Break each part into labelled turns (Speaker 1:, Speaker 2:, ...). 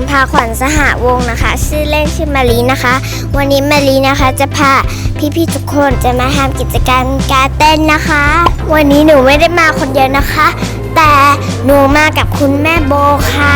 Speaker 1: พาขวัญสหวงศ์นะคะชื่อเล่นชื่อมารีนะคะวันนี้มารีนะคะจะพาพี่ๆทุกคนจะมาทำกิจกรรมการเต้นนะคะวันนี้หนูไม่ได้มาคนเดียวนะคะแต่หนูมากับคุณแม่โบค่ะ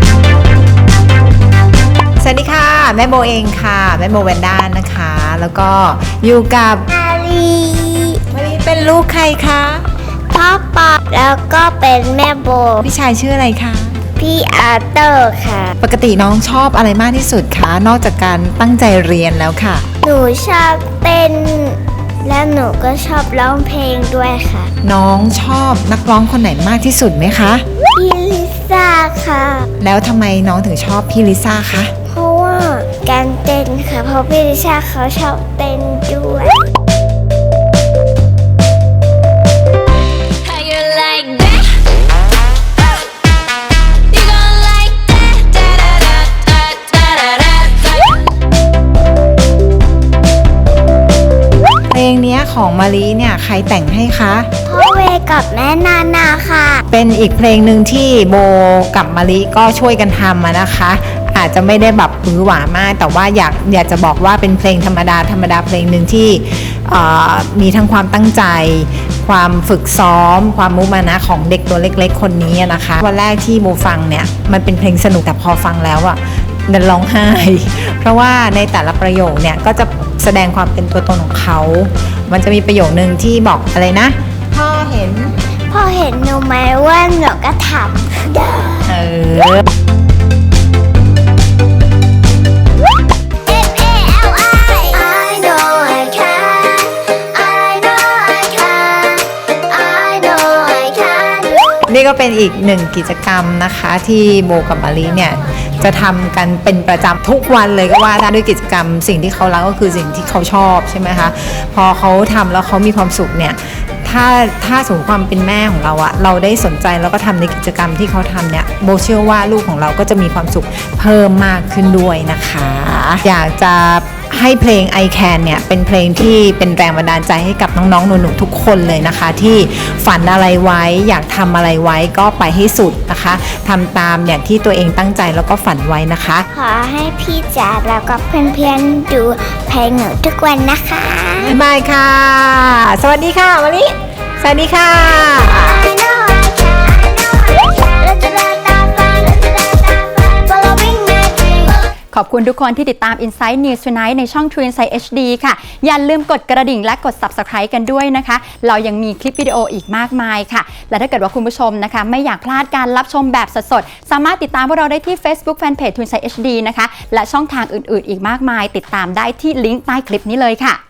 Speaker 2: สวัสดีค่ะแม่โบเองค่ะแม่โบแวนด้านะคะแล้วก็อยู่กับ
Speaker 1: มารี
Speaker 2: เป็นลูกใครคะ
Speaker 1: พ่อปอแล้วก็เป็นแม่โบ
Speaker 2: พี่ชายชื่ออะไรคะ
Speaker 1: พี่อาร์เตอร์ค่ะ
Speaker 2: ปกติน้องชอบอะไรมากที่สุดคะนอกจากการตั้งใจเรียนแล้วค่ะ
Speaker 1: หนูชอบเต้นและหนูก็ชอบร้องเพลงด้วยค่ะ
Speaker 2: น้องชอบนักร้องคนไหนมากที่สุดไหมคะ
Speaker 1: พี่ลิซ่าค่ะ
Speaker 2: แล้วทำไมน้องถึงชอบพี่ลิซ่าคะ
Speaker 1: เพราะว่าการเต้นค่ะเพราะพี่ลิซ่าเขาชอบเต้นด้วย
Speaker 2: เพลงนี้ของมารีเนี่ยใครแต่งให้คะ
Speaker 1: พ่อเวกับแม่นานาค่ะ
Speaker 2: เป็นอีกเพลงหนึ่งที่โบกับมารีก็ช่วยกันทำนะคะอาจจะไม่ได้แบบหือหวามากแต่ว่าอยากจะบอกว่าเป็นเพลงธรรมดาเพลงหนึ่งที่มีทั้งความตั้งใจความฝึกซ้อมความมุมานะของเด็กตัวเล็กๆคนนี้นะคะวันแรกที่โบฟังเนี่ยมันเป็นเพลงสนุกแต่พอฟังแล้วอะดันร้องไห้เพราะว่าในแต่ละประโยคเนี่ยก็จะแสดงความเป็นตัวตนของเขามันจะมีประโยคนึงที่บอกอะไรนะพ่อเห็น
Speaker 1: หนูไหมว่าหนูก็ทำ
Speaker 2: นี่ก็เป็นอีกหนึ่งกิจกรรมนะคะที่โบกับมารีเนี่ยจะทำกันเป็นประจำทุกวันเลยก็ว่าได้ด้วยกิจกรรมสิ่งที่เขารักก็คือสิ่งที่เขาชอบใช่ไหมคะพอเขาทำแล้วเขามีความสุขเนี่ยถ้าสมมติความเป็นแม่ของเราอะเราได้สนใจแล้วก็ทำในกิจกรรมที่เขาทำเนี่ยโบเชื่อว่าลูกของเราก็จะมีความสุขเพิ่มมากขึ้นด้วยนะคะอยากจะให้เพลง I Can เนี่ยเป็นเพลงที่เป็นแรงบันดาลใจให้กับน้องๆหนูๆทุกคนเลยนะคะที่ฝันอะไรไว้อยากทำอะไรไว้ก็ไปให้สุดนะคะทำตามอย่างที่ตัวเองตั้งใจแล้วก็ฝันไว้นะคะ
Speaker 1: ขอให้พี่จ๋าแล้วก็เพื่อนๆดูเพลงหนูทุกวันนะคะ
Speaker 2: บ๊ายบายค่ะสวัสดีค่ะมารีสวัสดีค่ะ
Speaker 3: ขอบคุณทุกคนที่ติดตาม Insight News Tonight ในช่อง True Insight HD ค่ะอย่าลืมกดกระดิ่งและกด Subscribe กันด้วยนะคะเรายังมีคลิปวิดีโออีกมากมายค่ะและถ้าเกิดว่าคุณผู้ชมนะคะไม่อยากพลาดการรับชมแบบสดๆสามารถติดตามพวกเราได้ที่ Facebook Fanpage True Insight HD นะคะและช่องทางอื่นๆอีกมากมายติดตามได้ที่ลิงก์ใต้คลิปนี้เลยค่ะ